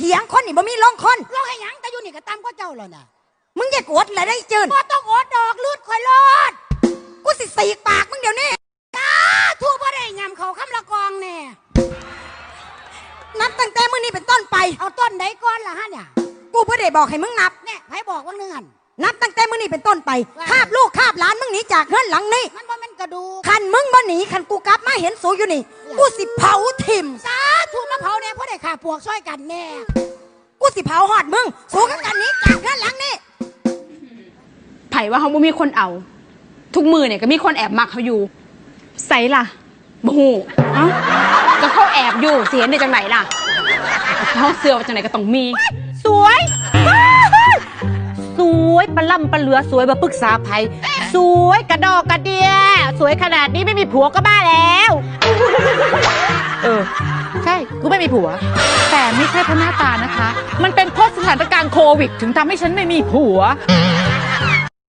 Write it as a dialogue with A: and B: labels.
A: ถียงคนนี่บ่มีลงคน
B: ร้องให้หยังแต่อยู่นี่ก็ตามก็เจ้าแล้วน่ะ
A: มึงอย่ากดเลยได้เจิน
B: บ่ต้องอดดอกลืดข่อยรอด
A: กูสิสีกปากมึงเดี๋ยวนี้
B: ทั่วบ่ได้ยำเขาคำละกองแน่
A: นับตั้งแต่มื้อนี้เป็นต้นไป
B: เอาต้นใดก่อนล่ะฮะเนี่ย
A: กูบ่ได้บอกให้มึงนับ
B: เนี่ยไผบอกว่าเนื่อน
A: นับตั้งแต่มื้อนี้เป็นต้นไปคาบลูกคาบหลานมึงหนีจากเฮือนหลังนี้
B: มันบ่แม่นกระดูก
A: คันมึงบ่หนีคันกูกลับมาเห็นสูอยู่นี่กูสิเผาทิ่ม
B: สาธุมาเผาแน่เพราะได้ขาปวกซอยกันแน่
A: กูสิเผาหอดมึงสูกับกันนี้จากเฮือนหลังนี้
C: ไผว่าเขาบ่มีคนเอาทุกมือเนี่ยก็มีคนแอบมักเขาอยู่ใส่ล่ะบ่ฮู้เอ้าก็เขาแอบอยู่เสียได้จังไหนล่ะเขาเสือว่าจังไหนก็ต้องมี
D: สวยสวยปลาล่ำปลาเหลือสวยมาปรึกษาไผสวยกระดอกกระเดียสวยขนาดนี้ไม่มีผัวก็บ้าแล้วใช่กูไม่มีผัวแต่ไม่ใช่เพราะหน้าตานะคะมันเป็นเพราะสถานการณ์โควิดถึงทำให้ฉันไม่มีผัว